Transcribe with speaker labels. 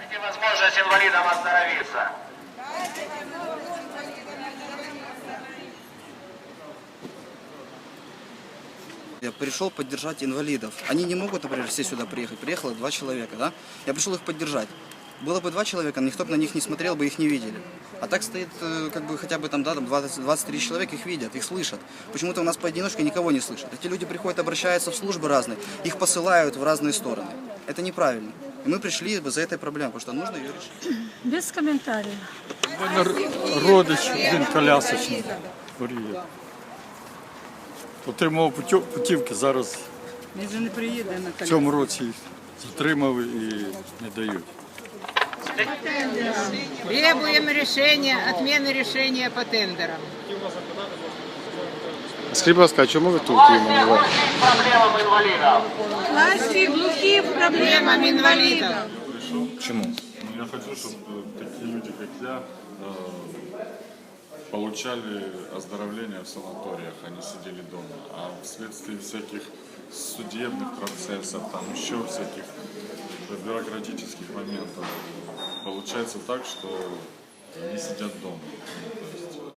Speaker 1: Дайте возможность инвалидам оздоровиться.
Speaker 2: Я пришел поддержать инвалидов. Они не могут, например, все сюда приехать. Приехало 2 человека, да? Я пришел их поддержать. Было бы 2 человека, никто бы на них не смотрел, бы их не видели. А так стоит, как бы, хотя бы там, да, там 23 человека, их видят, их слышат. Почему-то у нас поодиночке никого не слышат. Эти люди приходят, обращаются в службы разные, их посылают в разные стороны. Это неправильно. И мы пришли за этой проблемой, потому что нужно ее решить.
Speaker 3: Без комментариев.
Speaker 4: У мене родич, він колясочний, хворіє. Отримав путівки, зараз
Speaker 3: Він же не приїде на
Speaker 4: в
Speaker 3: коляску.
Speaker 4: цьому році їх затримали і не дають.
Speaker 5: Требуем решения, отмены решения по тендерам.
Speaker 6: Скажіть, будь ласка, а чому ви тут іменно?
Speaker 1: Проблемам инвалидов.
Speaker 3: Власті глухі
Speaker 5: Проблемам инвалидов.
Speaker 6: Чому?
Speaker 7: Я хочу, чтобы такие люди, как я, получали оздоровление в санаториях, а не сидели дома. А вследствие всяких судебных процессов, там еще всяких бюрократических моментов, получается так, что они сидят дома. То есть